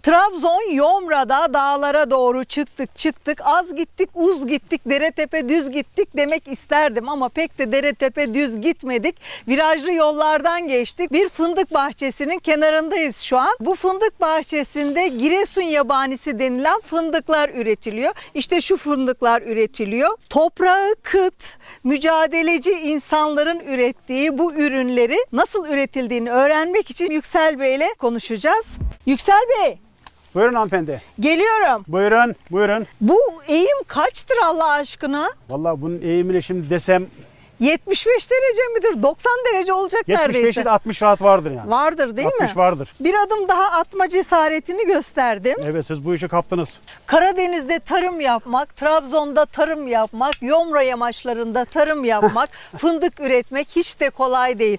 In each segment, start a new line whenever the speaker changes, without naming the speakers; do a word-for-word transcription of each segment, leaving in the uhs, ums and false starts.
Trabzon Yomra'da dağlara doğru çıktık çıktık az gittik uz gittik dere tepe düz gittik demek isterdim ama pek de dere tepe düz gitmedik. Virajlı yollardan geçtik. Bir fındık bahçesinin kenarındayız şu an. Bu fındık bahçesinde Giresun yabanisi denilen fındıklar üretiliyor. İşte şu fındıklar üretiliyor. Toprağı kıt, mücadeleci insanların ürettiği bu ürünleri nasıl üretildiğini öğrenmek için Yüksel Bey ile konuşacağız. Yüksel Bey.
Buyurun hanımefendi.
Geliyorum.
Buyurun, buyurun.
Bu eğim kaçtır Allah aşkına?
Vallahi bunun eğimini şimdi desem
yetmiş beş derece midir? doksan derece olacak
yetmiş beş
neredeyse.
ile altmış rahat vardır yani.
Vardır değil
altmış
mi?
vardır.
Bir adım daha atma cesaretini gösterdim.
Evet, siz bu işi kaptınız.
Karadeniz'de tarım yapmak, Trabzon'da tarım yapmak, Yomra yamaçlarında tarım yapmak, fındık üretmek hiç de kolay değil.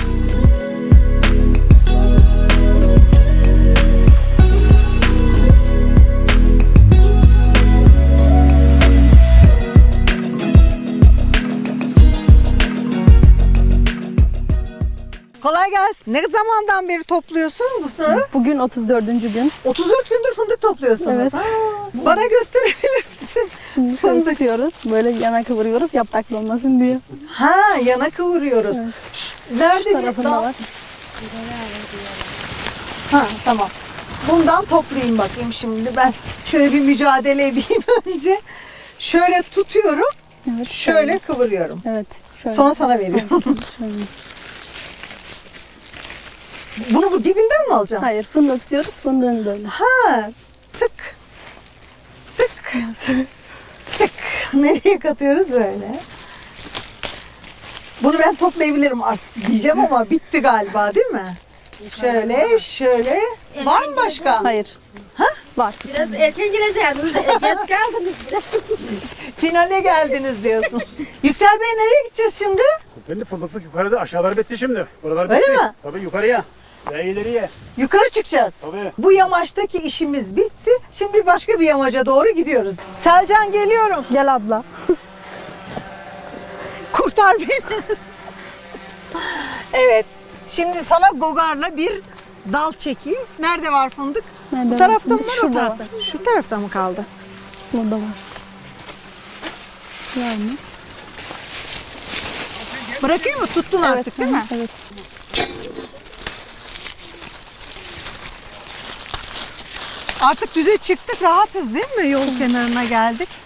Kolay gelsin. Ne zamandan beri topluyorsun bunu?
Bugün otuz dördüncü gün.
otuz dört gündür fındık topluyorsunuz.
Evet.
Ha, bana gösterebilir misin?
Şimdi
Fındık.
tutuyoruz. Böyle yana kıvırıyoruz yapraklı olmasın diye.
Ha, yana kıvırıyoruz.
Evet.
Şu, nerede
Şu
bir
tarafında
dal?
var.
Ha, tamam. Bundan toplayayım bakayım şimdi. Ben şöyle bir mücadele edeyim önce. Şöyle tutuyorum.
Evet.
Şöyle kıvırıyorum.
Evet. Şöyle.
Sonra sana veriyorum.
Şöyle.
Bunu bu dibinden mi alacağım?
Hayır, fındığı tutuyoruz. Fındığını böyle.
Ha, tık. Tık. Tık. Nereye katıyoruz böyle? Bunu ben toplayabilirim artık diyeceğim ama bitti galiba değil mi? Şöyle, şöyle. Var mı başka?
Hayır. Ha? Var.
Biraz erken geleceğiniz, geç kaldınız biraz.
Finale geldiniz diyorsun. Yüksel Bey nereye gideceğiz şimdi?
Benim fındıklık yukarıda, aşağılar bitti şimdi. Buralar bitti.
Öyle mi?
Tabii yukarıya. Ve ileriye.
Yukarı çıkacağız.
Tabii.
Bu yamaçtaki işimiz bitti. Şimdi başka bir yamaca doğru gidiyoruz. Selcan geliyorum.
Gel abla.
Kurtar beni. Evet. Şimdi sana gogarla bir dal çekeyim. Nerede var fındık?
Nerede
Bu
var?
tarafta mı var, o
Şurada
tarafta?
var.
Şu tarafta mı kaldı?
Burada var. Var mı?
Bırakayım mı? Tuttun artık değil
hı,
mi?
Evet.
Artık düze çıktık, rahatız değil mi? Yol kenarına geldik.